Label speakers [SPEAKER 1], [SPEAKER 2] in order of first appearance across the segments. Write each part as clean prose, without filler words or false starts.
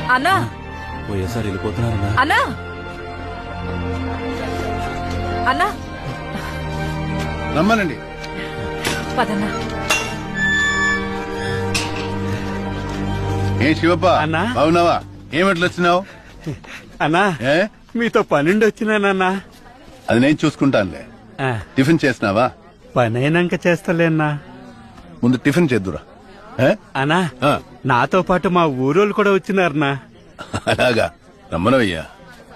[SPEAKER 1] అన్నా
[SPEAKER 2] పోయేసారి వెళ్ళిపోతున్నారన్నా.
[SPEAKER 1] అన్నా అన్నా
[SPEAKER 3] రమ్మనండి.
[SPEAKER 1] పదన్నా.
[SPEAKER 3] ఏ శివప్ప
[SPEAKER 4] అన్నా?
[SPEAKER 3] బాగున్నావా? ఏమిట్లు వచ్చినావు?
[SPEAKER 4] అన్నా
[SPEAKER 3] ఏ
[SPEAKER 4] మీతో పనుండి వచ్చినానన్నా.
[SPEAKER 3] అది నేను చూసుకుంటానులే. టిఫిన్ చేసినావా?
[SPEAKER 4] పని అయినాక చేస్తలేనా.
[SPEAKER 3] ముందు టిఫిన్ చేద్దురా. ఏ?
[SPEAKER 4] అన్నా
[SPEAKER 3] ఆ,
[SPEAKER 4] నాతో పాటు మా ఊరోళ్ళు కూడా వచ్చినారన్నా.
[SPEAKER 3] అలాగా రమ్మనవయ్యా.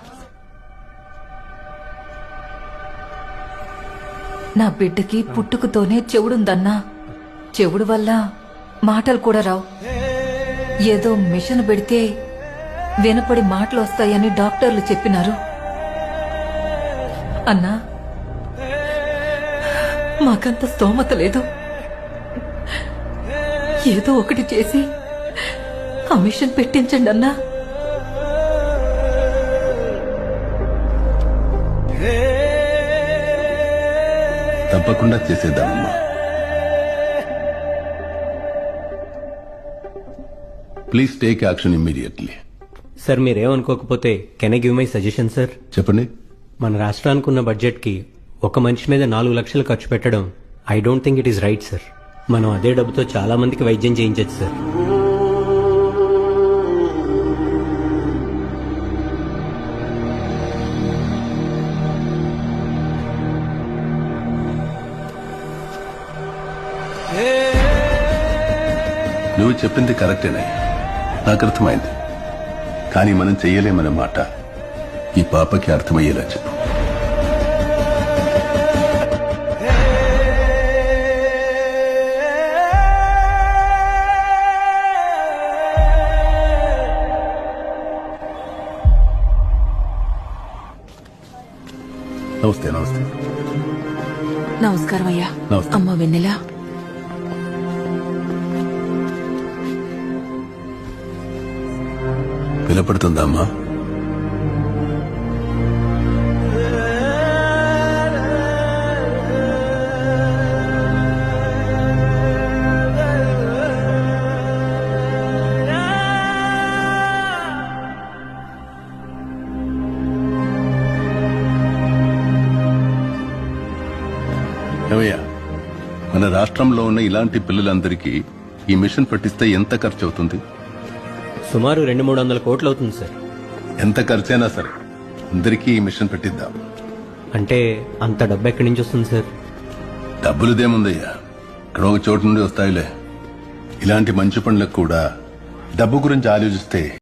[SPEAKER 1] నా బిడ్డకి పుట్టుకతోనే చెవుడుందన్నా. చెవుడు వల్ల మాటలు కూడా రావు. ఏదో మిషన్ పెడితే వినపడి మాటలు వస్తాయని డాక్టర్లు చెప్పినారు. అన్నా మాకంత స్తోమత లేదు. ఏదో ఒకటి చేసి ఆ మిషన్ పెట్టించండి అన్నా.
[SPEAKER 3] తప్పకుండా చేసేద్దామమ్మా. Please take action immediately.
[SPEAKER 5] Sir మీరేమనుకోకపోతే can I give my suggestion sir?
[SPEAKER 3] చెప్పండి.
[SPEAKER 5] మన రాష్ట్రానికి ఉన్న బడ్జెట్ కి ఒక మనిషి మీద 4 లక్షలు ఖర్చు పెట్టడం I don't think it is right sir. మనం అదే డబ్బుతో చాలా మందికి వైద్యం చేయించచ్చు సార్.
[SPEAKER 3] నువ్వు చెప్పింది కరెక్టేనే, నాకు అర్థమైంది. కానీ మనం చెయ్యలేమన్న మాట ఈ పాపకి అర్థమయ్యేలా చెప్పు. నమస్తే. నమస్తే.
[SPEAKER 1] నమస్కారం అయ్యా.
[SPEAKER 3] నమస్తే.
[SPEAKER 1] అమ్మ వెన్నెల.
[SPEAKER 3] వినపడుతుందా అమ్మా? ఏమయ్యా, మన రాష్ట్రంలో ఉన్న ఇలాంటి పిల్లలందరికీ ఈ మిషన్ పట్టిస్తే ఎంత ఖర్చు అవుతుంది?
[SPEAKER 5] సుమారు 200-300 కోట్లు అవుతుంది సార్.
[SPEAKER 3] ఎంత ఖర్చైనా సరే అందరికీ ఈ మిషన్ పెట్టిద్దాం.
[SPEAKER 5] అంటే అంత డబ్బు ఎక్కడి నుంచి వస్తుంది సార్?
[SPEAKER 3] డబ్బులుదేముందయ్యా, ఇక్కడ ఒక చోటు నుండి వస్తాయిలే. ఇలాంటి మంచి పనులకు కూడా డబ్బు గురించి ఆలోచిస్తే